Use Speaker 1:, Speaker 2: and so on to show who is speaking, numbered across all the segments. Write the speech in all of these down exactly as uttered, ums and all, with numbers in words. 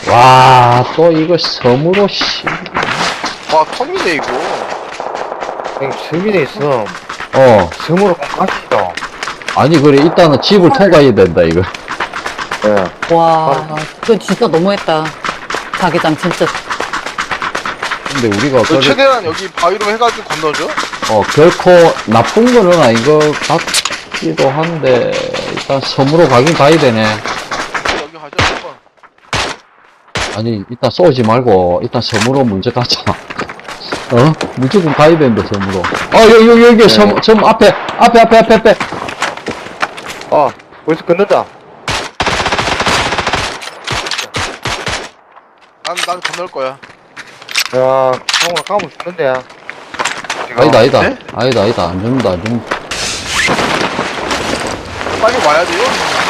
Speaker 1: 와, 또 이거 섬으로, 씨.
Speaker 2: 와, 섬이네, 이거.
Speaker 3: 형님, 승민에 있어.
Speaker 1: 어.
Speaker 3: 섬으로 가시죠.
Speaker 1: 아니, 그래, 일단은 집을 통과해야 된다, 이거.
Speaker 3: 예.
Speaker 4: 와, 그건 진짜 너무했다. 자기장 진짜.
Speaker 1: 근데 우리가,
Speaker 2: 너
Speaker 1: 그래,
Speaker 2: 최대한 여기 바위로 해가지고 건너죠?
Speaker 1: 어, 결코 나쁜 거는 아닌 것 같기도 한데, 일단 섬으로 가긴 가야 되네.
Speaker 2: 여기 가자, 한번.
Speaker 1: 아니, 일단 쏘지 말고, 일단 섬으로 먼저 가자. 어? 무조건 가야 된다, 섬으로. 어, 여기, 여기, 여기, 섬, 섬 앞에, 앞에, 앞에, 앞에, 앞에.
Speaker 3: 아, 벌써 끝났다.
Speaker 2: 난, 난 건널 거야.
Speaker 3: 야, 형아 까면 죽는데, 야.
Speaker 1: 아니다, 아니다.
Speaker 2: 네?
Speaker 1: 아니다, 아니다. 안 죽는다, 안 죽는다.
Speaker 2: 빨리 와야 돼요?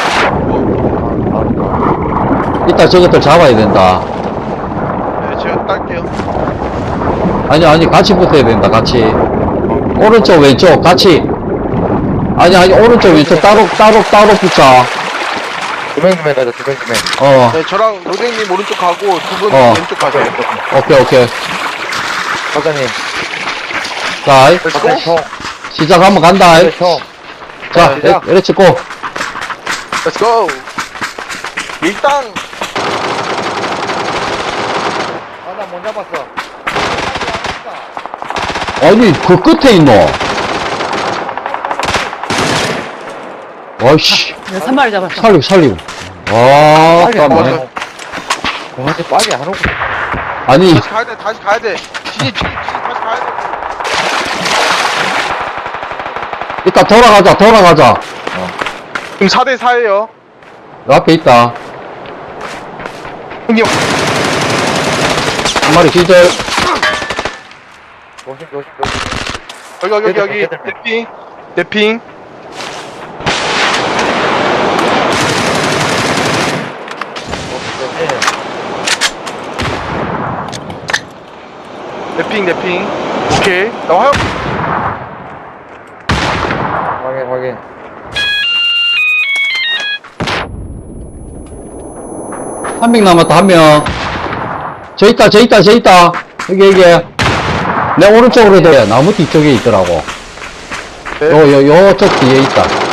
Speaker 1: 이따 저것들 잡아야 된다.
Speaker 2: 네, 제가 딸게요.
Speaker 1: 아니, 아니, 같이 붙어야 된다, 같이. 오른쪽, 왼쪽, 같이. 아니, 아니, 오른쪽, 왼쪽, 따로, 따로, 따로 붙자.
Speaker 3: 두명 두명 가자, 두명 두명.
Speaker 1: 어,
Speaker 2: 네, 저랑 로댕님 오른쪽 가고 두 분
Speaker 1: 어.
Speaker 2: 왼쪽 가세요.
Speaker 1: 오케이, 오케이.
Speaker 3: 사장님.
Speaker 1: 자,
Speaker 2: Let's go.
Speaker 3: 형.
Speaker 1: 시작 한번 간다.
Speaker 3: 형. 형.
Speaker 1: 자,
Speaker 2: 네.
Speaker 1: 렛- 렛츠 고.
Speaker 2: Let's go. 일단
Speaker 3: 아, 나 못 잡았어.
Speaker 1: 아니, 그 끝에 있노. 와이씨,
Speaker 4: 한 마리 잡았어.
Speaker 1: 살리고, 살리고. 와,
Speaker 3: 빨리 안
Speaker 1: 깜짝이야.
Speaker 3: 와요. 와, 근데 빨리 안 오고.
Speaker 1: 아니,
Speaker 2: 다시 가야 돼. 다시 가야 돼. 진입, 진입, 진입. 다시 가야 돼.
Speaker 1: 이따 돌아가자, 돌아가자.
Speaker 2: 지금 사 대 사예요.
Speaker 1: 요 앞에 있다.
Speaker 2: 형님.
Speaker 1: 한 마리 기절.
Speaker 3: 조심, 조심, 조심.
Speaker 2: 여기, 여기, 여기, 여기.
Speaker 3: 얘들, 얘들.
Speaker 2: 대핑. 대핑. 대핑, 대핑. 오케이. 나와요.
Speaker 3: 확인, 확인.
Speaker 1: 한 명 남았다, 한 명. 저 있다, 저 있다, 저 있다. 여기, 여기. 내 오른쪽으로 돼. 나무 뒤쪽에 있더라고.
Speaker 2: 네.
Speaker 1: 요, 요, 요쪽 뒤에 있다.